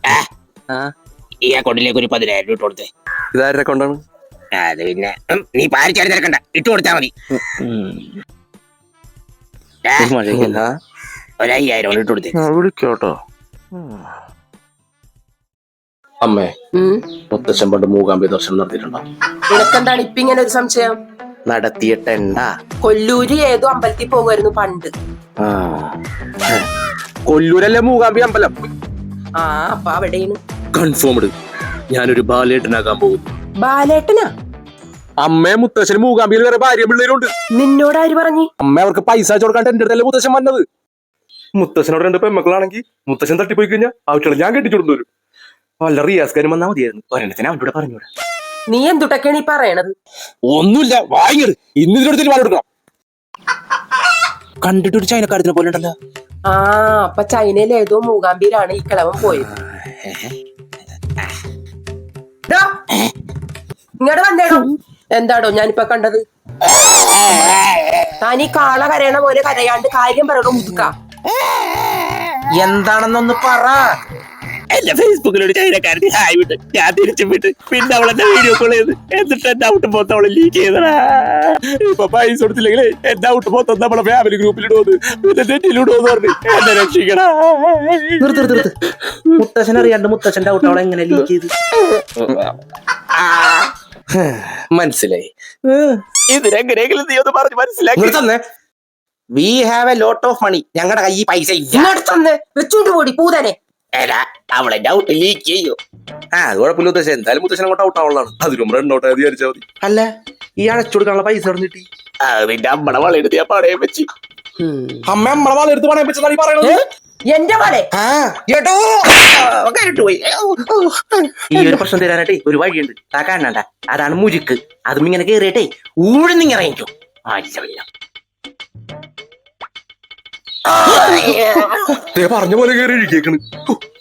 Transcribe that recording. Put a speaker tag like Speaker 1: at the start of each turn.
Speaker 1: ഈ അക്കൗണ്ടിലേക്ക് ഒരു 10,000 ഇട്ട് കൊടുത്തേ.
Speaker 2: ഇതാരുടെ അക്കൗണ്ടാണ്?
Speaker 1: അത് പിന്നെ നീ പാരിച്ചാടി തിരക്കണ്ട, ഇട്ട് കൊടുത്താ മതി. 1,500 ഇട്ട് കൊടുത്തേ.
Speaker 2: വിളിക്കോട്ടോ. അമ്മേ, മുത്തശ്ശൻ പണ്ട് മൂകാംബി ദർശനം നടത്തിയിട്ടുണ്ടോ?
Speaker 3: നിനക്കെന്താണ് ഇപ്പൊ ഇങ്ങനെ ഒരു സംശയം?
Speaker 2: നടത്തിയിട്ടെണ്ടാ?
Speaker 3: കൊല്ലൂര് ഏതോ അമ്പലത്തിൽ പോകുമായിരുന്നു പണ്ട്.
Speaker 2: കൊല്ലൂരല്ലേ മൂകാംബി അമ്പലം?
Speaker 3: അപ്പൊ അവിടെയാണ്.
Speaker 2: കൺഫേംഡ്. ഞാനൊരു ബാലേട്ടനാകാൻ പോകുന്നു.
Speaker 3: ബാലേട്ടനാ?
Speaker 2: അമ്മേ, മുത്തശ്ശന് മൂകാംബിയിൽ വേറെ ഭാര്യ പിള്ളേരുണ്ട്.
Speaker 3: നിന്നോട് ആര് പറഞ്ഞു?
Speaker 2: അമ്മ അവർക്ക് പൈസ കൊടുക്കാണ്ട് എന്റെ അടുത്തല്ലേ മുത്തശ്ശൻ വന്നത്. മുത്തശ്ശനോട് 2 പെമ്മക്കളാണെങ്കിൽ മുത്തശ്ശൻ തട്ടിപ്പോയി കഴിഞ്ഞാൽ അവറ്റകളെ ഞാൻ കെട്ടിച്ചുകൊണ്ടു വരും. വല്ല റിയാസ്കാരും വന്നാൽ മതിയായിരുന്നു. ഒരെണ്ണത്തിന് അവനോട് പറഞ്ഞൂടെ?
Speaker 3: നീ എന്തുട്ടൊക്കെയാണ് ഈ പറയണത്?
Speaker 2: ഒന്നുമില്ല, വാങ്ങിയത് ഇന്ന് ഇതിനടുത്ത് പാൽ കൊടുക്കണം. കണ്ടിട്ടൊരു ചൈനക്കാരത്തിനെ പോലെ ഉണ്ടല്ലോ.
Speaker 3: അപ്പൊ ചൈനയിൽ ഏതോ മൂകാംബിയിലാണ് ഈ കിളവൻ പോയത്. ഇങ്ങോട്ട് വന്നേടോ. എന്താടോ ഞാനിപ്പൊ കണ്ടത്? താൻ ഈ കാള കരയണ പോലെ കരയാണ്ട് കാര്യം പറയണോ മുതുക്ക?
Speaker 1: എന്താണെന്നൊന്ന് പറ. എന്റെ ഫേസ്ബുക്കിലൊരു ചൈനക്കാരത്തി ഹായ് വിട്ട് ഞാൻ തിരിച്ചു വിട്ട് പിന്നെ അവളെന്നെ വീഡിയോ കോൾ ചെയ്ത് എന്നിട്ട് എന്റെ ഔട്ട് പോത്ത് അവളെ ലീക്ക് ചെയ്തടാ. ഇപ്പൊ പൈസ കൊടുത്തില്ലെങ്കിലേ എന്റെ ഔട്ട് പോത്ത് നമ്മളെ ഫാമിലി ഗ്രൂപ്പിലിടുവന്ന് പിന്നെ നെറ്റിലിടുവെന്ന് പറഞ്ഞു എന്നെ രക്ഷിക്കടാ. മുത്തശ്ശൻ അറിയാണ്ട് മുത്തശ്ശന്റെ ഔട്ട് അവളെ എങ്ങനെ ലീക്ക് ചെയ്ത്?
Speaker 2: മനസ്സിലായി.
Speaker 1: ഇതിനെങ്ങനെയെങ്കിലും നീ ഒന്ന് പറഞ്ഞ് മനസ്സിലാക്കി. We have a lot of money. ഞങ്ങളുടെ കയ്യിൽ പൈസ ഇല്ല.
Speaker 3: വെച്ചോണ്ട് പോടി പൂതനെ.
Speaker 1: അവളെ ഔട്ട് ലീക്ക് ചെയ്യൂ.
Speaker 2: കുഴപ്പമില്ല മുത്തശ്ശൻ. എന്തായാലും മുത്തശ്ശൻ അങ്ങോട്ട് ഔട്ട് ആവുള്ളതാണ്. അതിനും റണ്ണൗട്ട് ആയത് വിചാരിച്ചാൽ മതി.
Speaker 1: അല്ല, ഈ അടച്ചു കൊടുക്കാനുള്ള പൈസ എവിടെ കിട്ടി? നിന്റെ അമ്മടെ വളയെടുത്ത് ഞാൻ പണയം വെച്ച്.
Speaker 2: അമ്മ നമ്മളെ വളയെടുത്ത് പണയം വെച്ചതാണ് ഈ പറയണത്.
Speaker 3: എന്റെ പോലെ
Speaker 1: പോയി. ഈ ഒരു പ്രശ്നം തരാനായിട്ടേ ഒരു വഴിയുണ്ട്. ആ കാണണ്ട, അതാണ് മുരുക്ക്. അതും ഇങ്ങനെ കേറിയിട്ടേ ഊഴുന്നിങ്ങനെ ഇറങ്ങിക്കും.
Speaker 2: പറഞ്ഞ പോലെ കയറി ഇരിക്കേക്കണ്.